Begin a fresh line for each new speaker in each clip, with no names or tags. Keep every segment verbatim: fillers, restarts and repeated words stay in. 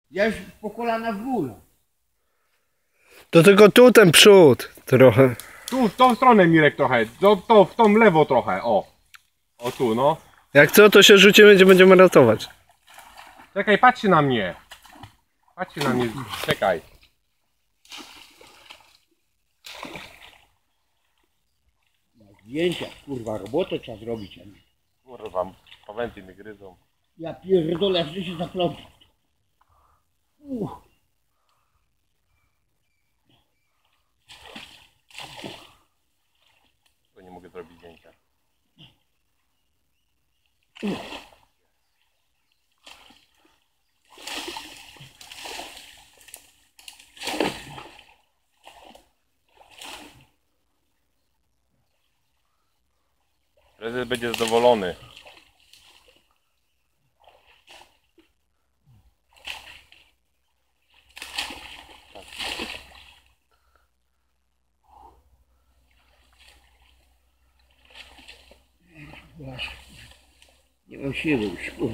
Ja już po kolana w górę.
To tylko tu ten przód trochę.
Tu, w tą stronę Mirek trochę, to, to w tą lewo trochę, o. O tu, no.
Jak co, to się rzucimy, gdzie będziemy ratować.
Czekaj, patrzcie na mnie. Patrzcie na mnie, czekaj.
Zdjęcia, kurwa, robotę trzeba zrobić.
Kurwa, pawęty mnie gryzą.
Ja pierdolę, że się zaplątał. Uh.
To nie mogę zrobić zdjęcia. Prezes będzie zadowolony.
Nie mam siły już, kurwa.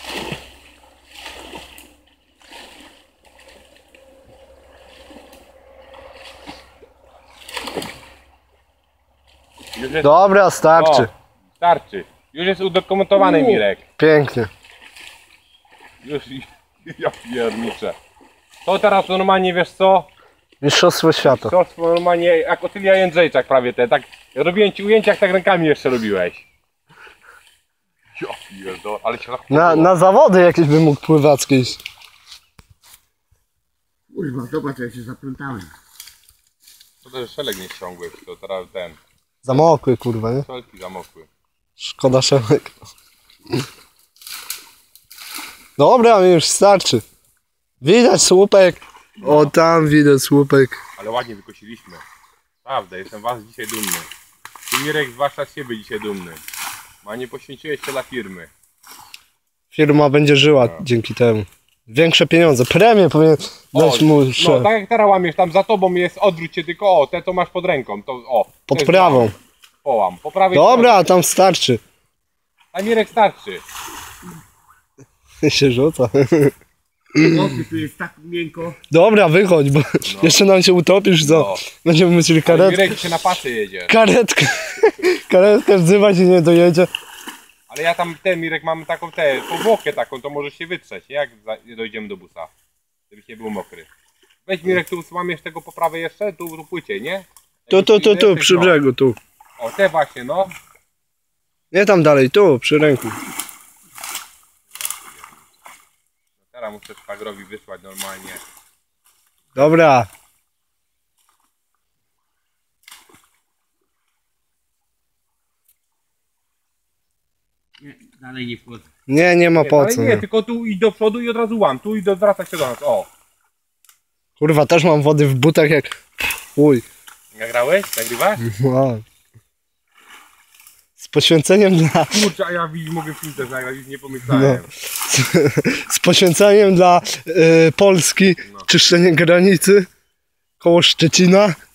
Już jest...
Dobra, starczy.
O, starczy. Już jest udokumentowany, Mirek.
Pięknie.
Już, ja pierniczę. To teraz normalnie, wiesz co?
Mistrzostwo świata.
To normalnie jak Otylia Jędrzejczak prawie te, tak. Ja robiłem ci ujęcia, jak tak rękami jeszcze robiłeś. Ja pierdolę, ale się
Na, na zawody jakieś bym mógł pływackie iść.
Kurwa, zobacz, jak się zaplątałem.
To też szelek nie ściągłeś, to teraz ten.
Zamokły, kurwa, nie?
Szelki zamokły.
Szkoda szelek. Dobra, mi już starczy. Widać słupek. O, tam widać słupek.
Ale ładnie wykosiliśmy. Prawda, jestem was dzisiaj dumny. Ty, Mirek, zwłaszcza z siebie dzisiaj dumny. A nie poświęciłeś się dla firmy.
Firma będzie żyła
No.
dzięki temu. Większe pieniądze. Premię powinien dać mu
no
szef.
tak jak teraz łamiesz, tam za tobą jest, odwróć się tylko, o, te co masz pod ręką, to o. to
Pod
jest
prawą.
łam. Połam, po prawej
Dobra, tam starczy.
A Mirek starczy.
się rzuca.
Chłopie, tu jest tak miękko.
Dobra, wychodź, bo jeszcze nam się utopisz, co?
No.
Będziemy musieli
Ale
karetkę.
Mirek się na pasy jedzie.
Karetkę. Karetkę wzywać i nie dojedzie.
Ale ja tam, ten Mirek, mamy taką tę, powłokę taką, to możesz się wytrzeć, nie? Jak za, dojdziemy do busa. Żebyś nie był mokry. Weź Mirek, tu łamiesz tego po prawej jeszcze, tu, tu płycie, nie?
Tu, tu, tu, tu,
Jesteś,
przy
no.
brzegu, tu.
O, te właśnie, no.
Nie tam dalej, tu, przy ręku.
Teraz muszę szwagrowi wysłać normalnie.
Dobra.
Nie, dalej nie wchodzę.
Nie, nie ma
Nie,
po
ale
co.
nie,
Nie.
tylko tu idź do przodu i od razu łam, tu i do, zwraca się do nas, o.
Kurwa, też mam wody w butach jak... Uj.
Nagrałeś? Nagrywasz?
Wow. Z poświęceniem dla...
Kurczę, a ja widzisz, mogę film też nagrać, już nie pomyślałem.
Z poświęceniem dla y, Polski.
No.
Czyszczenie granicy. Koło Szczecina.